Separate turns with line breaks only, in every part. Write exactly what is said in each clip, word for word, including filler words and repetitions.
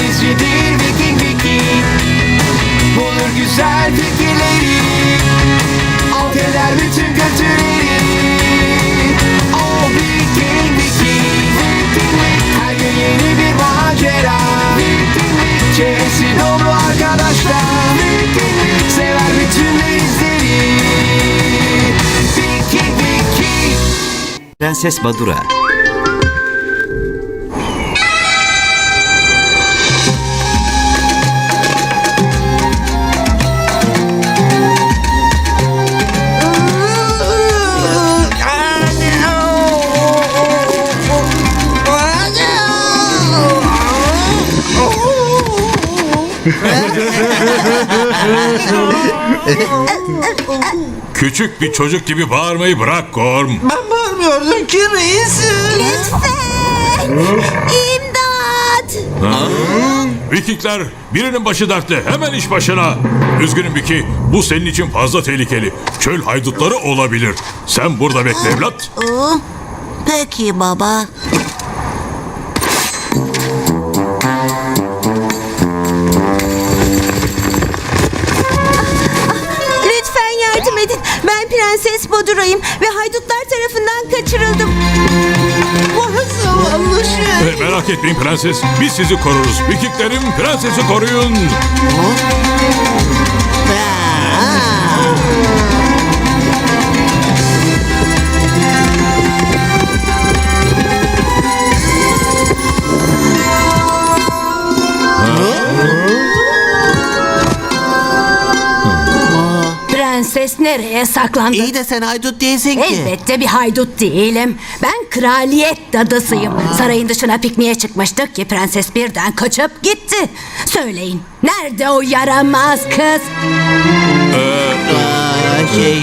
denizcidir Viking Viking. Bulur güzel fikirleri, alt eder bütün kötüleri. O Viking Viking. Her gün yeni bir macera. Çevresi dolu arkadaşlar. Sever bütün denizleri. Viking Viking.
Prenses Badura.
Küçük bir çocuk gibi bağırmayı bırak Gorm.
Ben bağırmıyordum ki reis.
Lütfen. İmdat.
Vikingler, birinin başı dertte, hemen iş başına. Üzgünüm Vicky, bu senin için fazla tehlikeli. Çöl haydutları olabilir. Sen burada bekle evlat.
Peki baba. Lütfen yardım edin. Ben Prenses Badura'yım ve haydutlar tarafından kaçırıldım.
Vah zavallı şey.
E, merak etmeyin prenses, biz sizi koruruz. Vikinglerim, prensesi koruyun.
Prenses nereye saklandı?
İyi de sen haydut değilsin ki.
Elbette bir haydut değilim. Ben kraliyet dadısıyım. Sarayın dışına pikniğe çıkmıştık ki prenses birden kaçıp gitti. Söyleyin, nerede o yaramaz kız?
Aa, şey.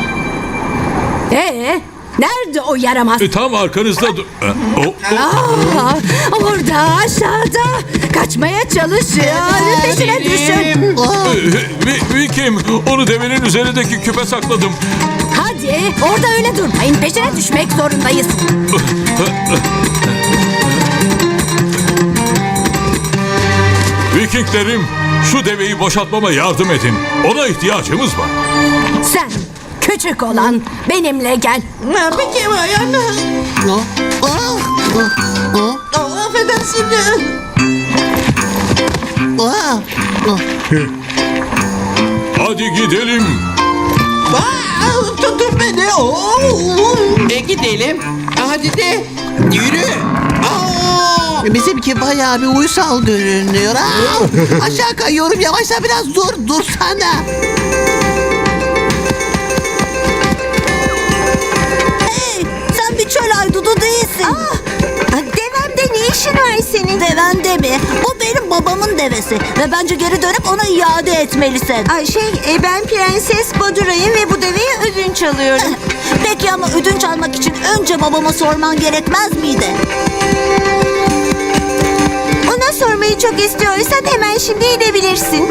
Ee, nerede o yaramaz?
E, tam arkanızda... du- E, o, o-
Aa, orada aşağıda. Kaçmaya çalışıyor. Peşine düşün.
e, Vi- Viking, onu devenin üzerindeki küpe sakladım.
Hadi orada öyle durmayın. Peşine düşmek zorundayız.
Vikinglerim, şu deveyi boşaltmama yardım edin. Ona ihtiyacımız var.
Sen küçük olan benimle gel.
Ha, peki yani. Aa, affedersin.
Hadi gidelim.
Aa, tutun beni. Oo. E gidelim. Hadi de. Yürü. Aa. Bizimki bayağı bir uysal görünüyor. Aa, aşağı kayıyorum. Yavaşla biraz dur. Dursana.
Hey, sen bir çöl haydudu değilsin. Devemde ne işin var senin? Devende mi? O benim babamın devesi. Ve bence geri dönüp ona iade etmelisin. Ay şey, e, ben Prenses Badura'yım ve bu deveyi ödünç alıyorum. Peki ama ödünç almak için önce babama sorman gerekmez miydi? Ona sormayı çok istiyorsan hemen şimdi gidebilirsin.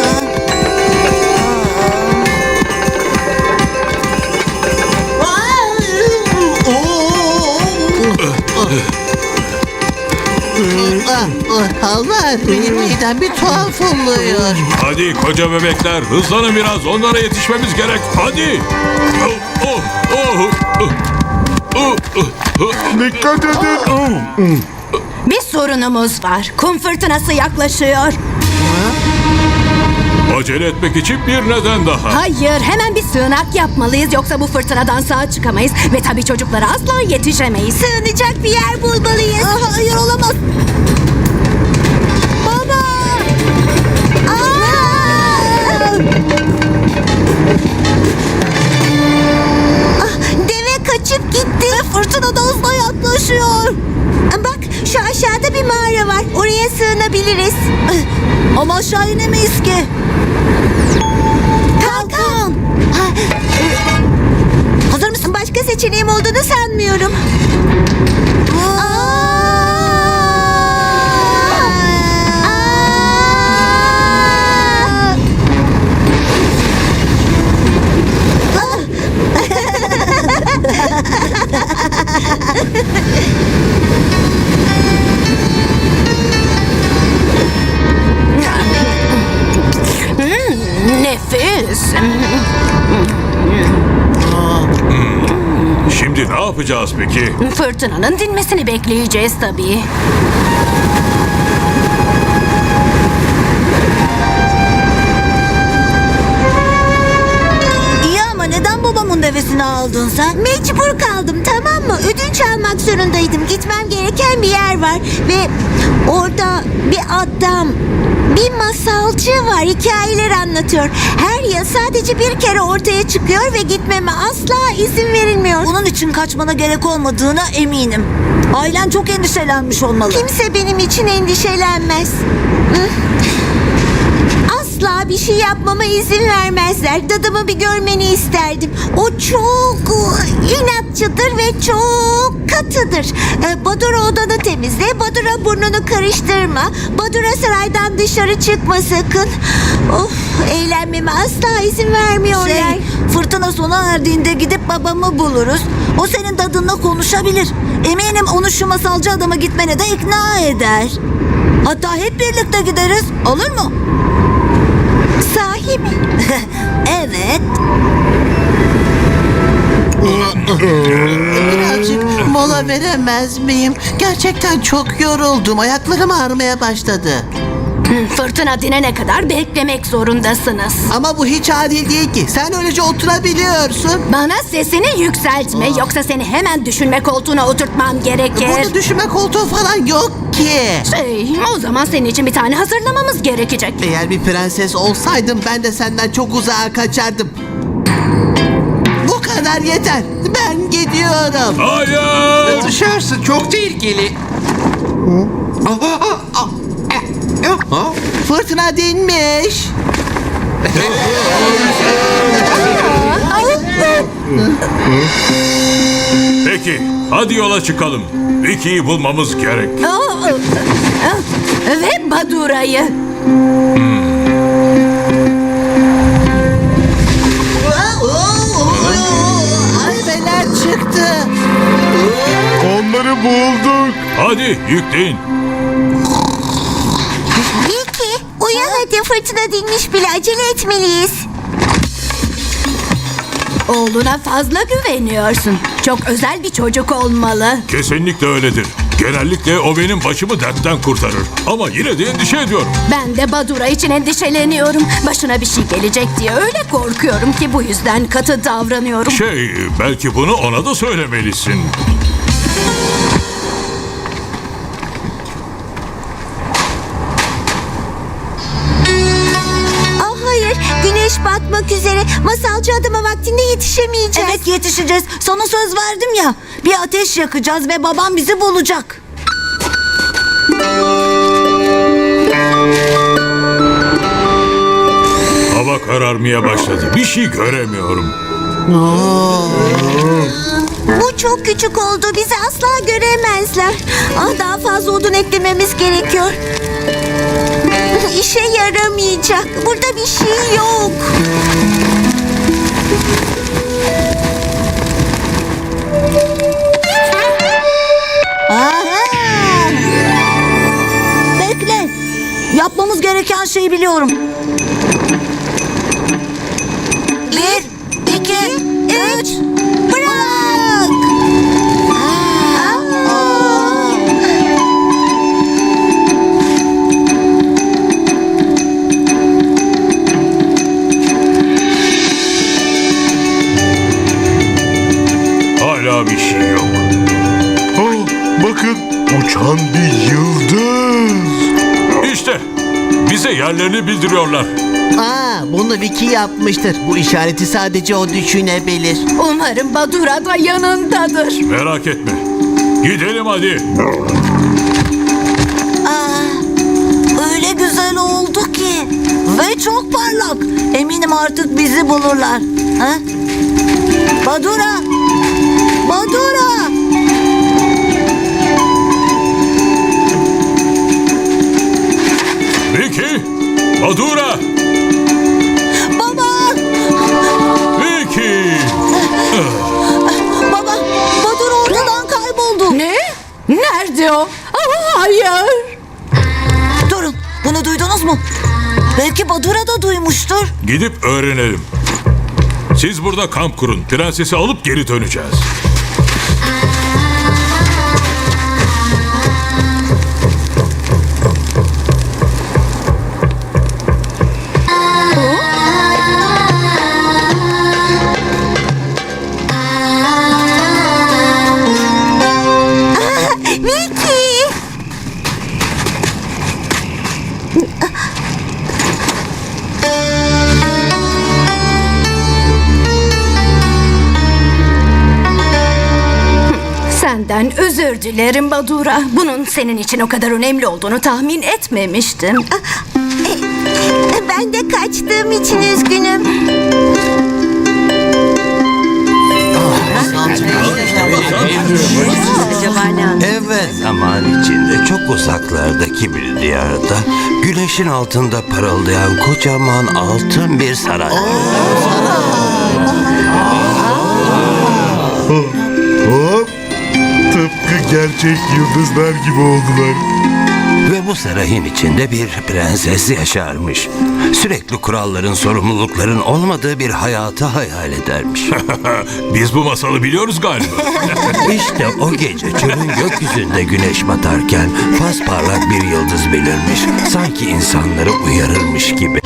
Allah, benim midem bir tuhaf oluyor.
Hadi koca bebekler, hızlanın biraz. Onlara yetişmemiz gerek. Hadi. Oh, oh, oh, oh, oh, oh, oh.
Dikkat edin.
Bir sorunumuz var. Kum fırtınası yaklaşıyor.
Acele etmek için bir neden daha.
Hayır, hemen bir sığınak yapmalıyız. Yoksa bu fırtınadan sağ çıkamayız. Ve tabii çocuklara asla yetişemeyiz.
Sığınacak bir yer bulmalıyız. Aa, hayır olamaz. Baba! Aa! Ah, deve kaçıp gitti. Fırtına da hızla yaklaşıyor. Bak, şu aşağıda bir mağara var. Oraya sığınabiliriz. Ama aşağı inemeyiz ki. Kalkan! Hazır mısın? Başka seçeneğim olduğunu sanmıyorum. Aa!
Şimdi ne yapacağız peki?
Fırtınanın dinmesini bekleyeceğiz tabii.
İyi ama neden babamın devesini aldın sen? Mecbur kaldım, tamam mı? Ödünç almak zorundaydım. Gitmem gereken bir yer var. Ve orada bir adam, bir masalcı var. Hikayeler anlatıyor. Her yıl sadece bir kere ortaya çıkıyor ve gitmeme asla izin verilmiyor. Bunun için kaçmana gerek olmadığına eminim. Ailen çok endişelenmiş olmalı. Kimse benim için endişelenmez. Hı? Asla bir şey yapmama izin vermezler. Dadımı bir görmeni isterdim. O çok inatçıdır ve çok katıdır. Ee, Badura odanı temizle. Badura burnunu karıştırma. Badura saraydan dışarı çıkma sakın. Of, eğlenmeme asla izin vermiyorlar. Şey, fırtına sona erdiğinde gidip babamı buluruz. O senin dadınla konuşabilir. Eminim onu şu masalcı adama gitmene de ikna eder. Hatta hep birlikte gideriz. Olur mu? Sahi mi? Evet.
Birazcık mola veremez miyim? Gerçekten çok yoruldum. Ayaklarım ağrımaya başladı.
Fırtına dinene kadar beklemek zorundasınız.
Ama bu hiç adil değil ki. Sen öylece oturabiliyorsun.
Bana sesini yükseltme yoksa seni hemen düşünme koltuğuna oturtmam gerekir.
Burada düşünme koltuğu falan yok ki.
Şey, o zaman senin için bir tane hazırlamamız gerekecek.
Eğer bir prenses olsaydım ben de senden çok uzağa kaçardım. Bu kadar yeter. Ben gidiyorum.
Hayır!
Dışarısı çok tehlikeli.
Fırtına dinmiş.
Peki, hadi yola çıkalım. Vicky'yi bulmamız gerek.
Aa, Ve Badura'yı.
Harbeler çıktı.
Onları bulduk.
Hadi yükleyin.
Vicky, uyan hadi, fırtına dinmiş bile, acele etmeliyiz.
Oğluna fazla güveniyorsun. Çok özel bir çocuk olmalı.
Kesinlikle öyledir. Genellikle o benim başımı dertten kurtarır. Ama yine de endişe ediyorum.
Ben de Badura için endişeleniyorum. Başına bir şey gelecek diye öyle korkuyorum ki bu yüzden katı davranıyorum.
Şey, belki bunu ona da söylemelisin.
Ah hayır, güneş batmak üzere. Masalcı adama vaktinde yetişemeyeceğiz. Evet, yetişeceğiz. Sana söz verdim ya. Bir ateş yakacağız ve babam bizi bulacak.
Hava kararmaya başladı. Bir şey göremiyorum.
Bu çok küçük oldu. Bizi asla göremezler. Ah, daha fazla odun eklememiz gerekiyor. İşe yaramayacak. Burada bir şey yok. Aha! Bekle. Yapmamız gereken şeyi biliyorum. Bir, iki, üç. Bırak! Aa!
Hala bir şey yok.
Oh, bakın uçan bir yıldız.
İşte bize yerlerini bildiriyorlar.
Aa, bunu Vicky yapmıştır. Bu işareti sadece o düşünebilir.
Umarım Badura da yanındadır.
Merak etme. Gidelim hadi.
Aa, öyle güzel oldu ki. Ve çok parlak. Eminim artık bizi bulurlar. Ha? Badura! Badura!
Vicky! Badura!
Baba!
Vicky!
Baba! Badura ortadan kayboldu.
Ne? Nerede o? Aa, hayır.
Durun. Bunu duydunuz mu? Belki Badura da duymuştur.
Gidip öğrenelim. Siz burada kamp kurun. Prensesi alıp geri döneceğiz.
Senden özür dilerim Badura. Bunun senin için o kadar önemli olduğunu tahmin etmemiştim.
Ben de kaçtığım için üzgünüm.
Evet, zaman içinde çok uzaklardaki bir diyarda güneşin altında parıldayan kocaman altın bir saray.
Hop. Tıpkı gerçek yıldızlar gibi oldular.
Ve bu sarayın içinde bir prenses yaşarmış. Sürekli kuralların, sorumlulukların olmadığı bir hayatı hayal edermiş.
Biz bu masalı biliyoruz galiba.
İşte o gece çölün gökyüzünde güneş batarken pasparlak bir yıldız belirmiş. Sanki insanları uyarırmış gibi.